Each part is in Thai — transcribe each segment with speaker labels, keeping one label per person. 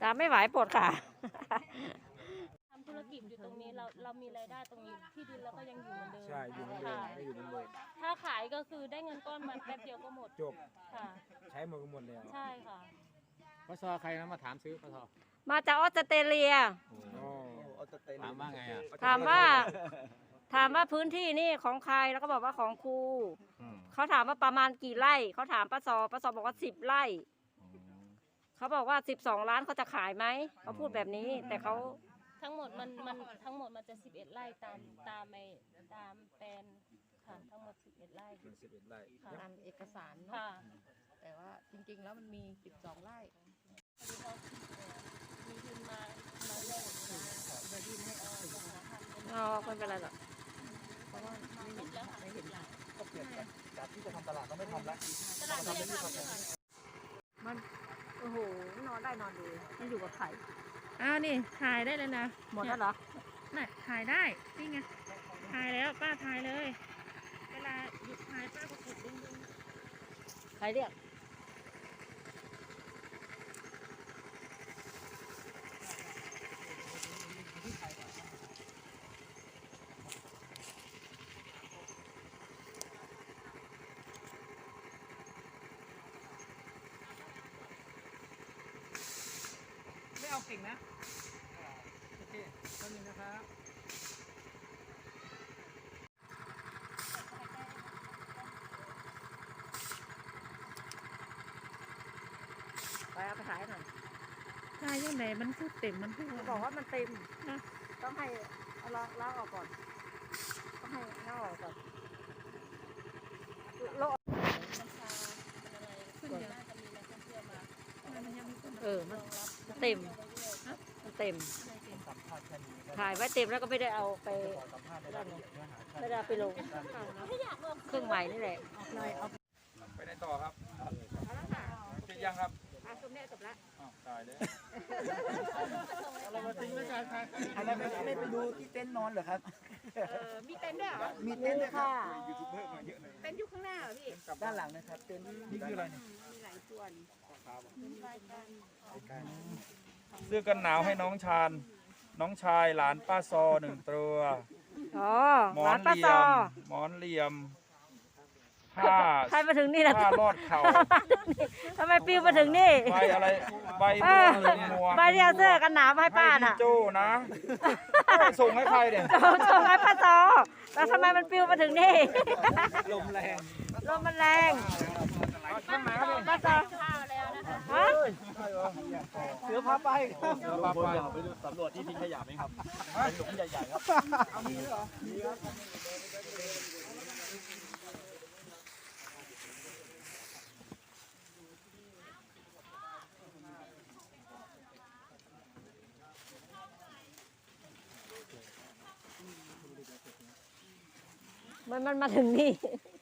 Speaker 1: ตามไม่ไหวปวดขา
Speaker 2: ทำธุรกิจอยู่ตรงนี้เรามีรายได้ตรงนี้ที่ดินเราก็ยังอยู่เหมือนเดิม
Speaker 3: ใช่อยู่เหมือนเดิมไม่อยู่เหมือนเดิม
Speaker 2: ถ้าขายก็คือได้เงินก้อนมาแป๊บเดียวก็หมด
Speaker 3: จบ
Speaker 2: ค่ะ
Speaker 3: ใช้หมดก็หมดแล้ว
Speaker 2: ใช่ค่ะ
Speaker 4: ปสใครนะมาถามซื้อปส
Speaker 1: มาจากออสเตรเลีย
Speaker 3: อ๋อ
Speaker 4: ถามว่าไงอ่ะ
Speaker 1: ถามว่าพื้นที่นี่ของใครแล้วก็บอกว่าของครูเขาถามว่าประมาณกี่ไร่เขาถามป้าซอบอกว่า10 ไร่เขาบอกว่า12 ล้านเขาจะขายไหมเขาพูดแบบนี้แต่เขา
Speaker 2: ทั้งหมดมันทั้งหมดมันจะ11 ไร่ตามแปลนค่ะทั้งหมด11 ไร่
Speaker 3: เป็น11 ไร่
Speaker 2: ค่ะ
Speaker 5: ตามเอกสารเนาะ
Speaker 2: ค่ะ
Speaker 5: แต่ว่าจริงๆแล้วมันมี 12 ไร่
Speaker 2: มีทุนมาแลกเดี๋ยวดินให้ออกหาทำ
Speaker 1: อ๋อไม่เป็นไรหรอก
Speaker 5: เพราะว่าไม่เห็นไม่เห็น
Speaker 3: ก็เปลี่ยนจากที่จะทำตลาดก็ไม่ทำแล้ว
Speaker 2: ตลาดไม่ได้ทำเลยค่ะ
Speaker 1: มันโอ้โหนอนได้นอนดีมันอยู่กับไข่
Speaker 5: อ้าวนี่ถ่ายได้เลยนะ
Speaker 1: หมดแล้วเหรอ
Speaker 5: น่ะถ่ายได้นี่ไงถ่ายแล้วป้าถ่ายเลย เวลาหยุดถ่ายป้าก็กดดึง
Speaker 1: ใครเรียก
Speaker 4: ไม่เอาเก่งนะโอเคต้นนึงนะครับ
Speaker 1: ไปเอาไปขายหน่อย
Speaker 5: ถ่ายยังไงมันคือเต็มมันคือ
Speaker 1: เขาบอกว่ามันเต็มต้องให้เอาล้างออกก่อนต้องให้ล้างออกก่อนโล
Speaker 2: กัญชาเป็นอะไรขึ้นเยอะน่าจะมีนักท่องเที่ยวมา
Speaker 5: มันยังมีคน
Speaker 1: มันเต็มมันเต็มถ่ายไว้เต็มแล้วก็ไม่ได้เอาไปไม่ได้เอาไปลงเครื่องใหม่นี่แหละ
Speaker 3: ไปไหนต่อครับเสร็จยังครับ
Speaker 1: ตรงนี้จบแล้ว
Speaker 3: ตายเลย
Speaker 4: เรามาทิ้งไว้กันครับ
Speaker 6: อะไรไม่ไปดูที่เต็นท์นอนเหรอครับ
Speaker 5: มีเต็นท์ด้วยเหรอ
Speaker 6: มีเต็นท์ด้วยครับ
Speaker 3: ยูทูบเบอร์มาเยอะเลย
Speaker 5: เต็นท์อยู่ข้างหน้าเหรอพี่
Speaker 6: ด้านหลังนะครับ เต็นท์
Speaker 3: นี่คืออะไรเนี่ย
Speaker 5: มีหลายส่วน
Speaker 3: เสื้อกันหนาวให้น้องชายหลานป้าซอ1 ตัว
Speaker 1: อ๋อ
Speaker 3: หมอ
Speaker 1: ร้าน
Speaker 3: น
Speaker 1: ป้า
Speaker 3: เหลี่
Speaker 1: ซ
Speaker 3: ย
Speaker 1: อ
Speaker 3: มหมอนเหลี่ยมผ้า
Speaker 1: ใครมาถึงนี่นะ
Speaker 3: ผ้ารอดเข่า
Speaker 1: ทำไมปิวมาถึงนี่
Speaker 3: ใบอะไรใบบัวหมวก
Speaker 1: ใบที่เอาเสื้อกันหนาวมาให้ป้า
Speaker 3: ให้
Speaker 1: น่ะ
Speaker 3: พี่โจ้นะส่งให้ใครเนี่ย
Speaker 1: ส่งให้ป้าซอแล้วทำไมมันปิวมาถึงนี่
Speaker 3: ลมแรง
Speaker 1: ลมมันแรง
Speaker 3: ข้างไหนครับเนี่ย
Speaker 1: ป้าซอ
Speaker 2: ข้าวแล้วนะคะ
Speaker 1: ฮะ
Speaker 6: เสือพาไปครับ
Speaker 3: เดี๋ยวพาไป
Speaker 6: ไปดูสำรวจที่ทิ้งขยะไหมครับเป็นหลุมใหญ่ๆครับ
Speaker 1: มันมาถึงนี่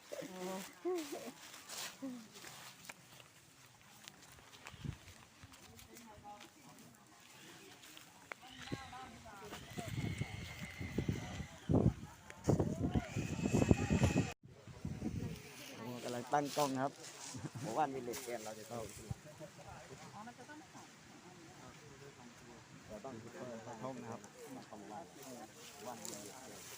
Speaker 6: กำลังตั้งกล้องครับผมว่ามีเหล็กแกนเราจะเข้าเราต้องเปิดกระทงนะครับของเราวันมีเหล็กแกน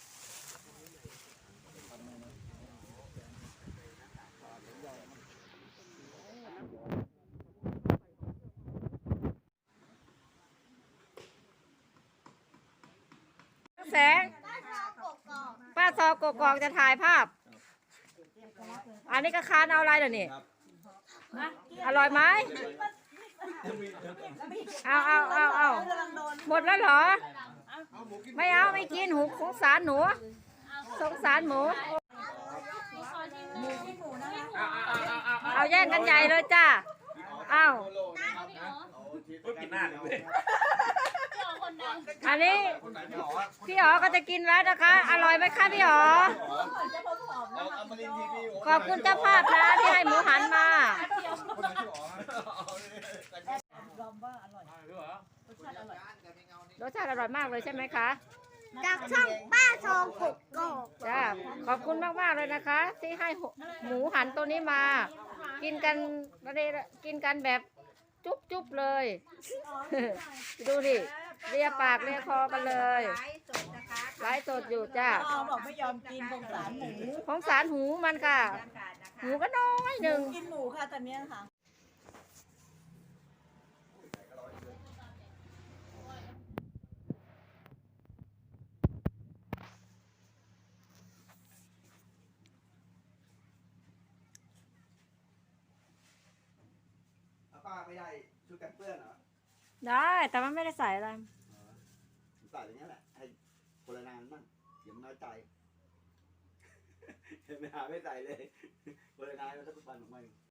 Speaker 1: แสงป้าซอกกอกจะถ่ายภาพ อันนี้ก็คานเอาอะไรเดี๋ยวนี้อร่อยไหมเอาหมดแล้วเหรอ ไม่เอาไม่กินหูสงสารหนูสงสารหมู เอาแย่งกันใหญ่เลยจ้าเอาอันนี้พี่อ๋อก็จะกินแล้วนะคะ อร่อยไหมคะพี่อ๋อขอบคุณเจ้าภาพนะที่ให้หมูหันมา รสชาติอร่อยมากเลยใช่ไหมคะ
Speaker 7: จากช่องป้าทองกกกอก
Speaker 1: จ้าขอบคุณมากๆเลยนะคะ ที่ให้หมูหันตัวนี้มา กินกันกินกันแบบจุ๊บจุ๊บเลย ดูดิเลียปากเลียคอกันเลยไลฟ์สดอยู่จ้า
Speaker 8: พ่อบอกไม่ยอมกินสงสารหมู
Speaker 1: ของสารหูมันค่ะ หูก็น้อยหนึ่ง
Speaker 8: กินหมูค่ะตอนเนี้ยค่ะ
Speaker 6: ป้าไม่ได้ชุดกันเปื้อนเหรอ
Speaker 1: ได้แต่มันไม่ได้ใส่อะไร
Speaker 6: ใส่อย่างนี้แหละ ให้คนละนานมั่งเดี๋ยวมันน้อยใจ เห็นไหมหาไม่ใส่เลยคนละนานแล้วถ้าทุกวันออกมา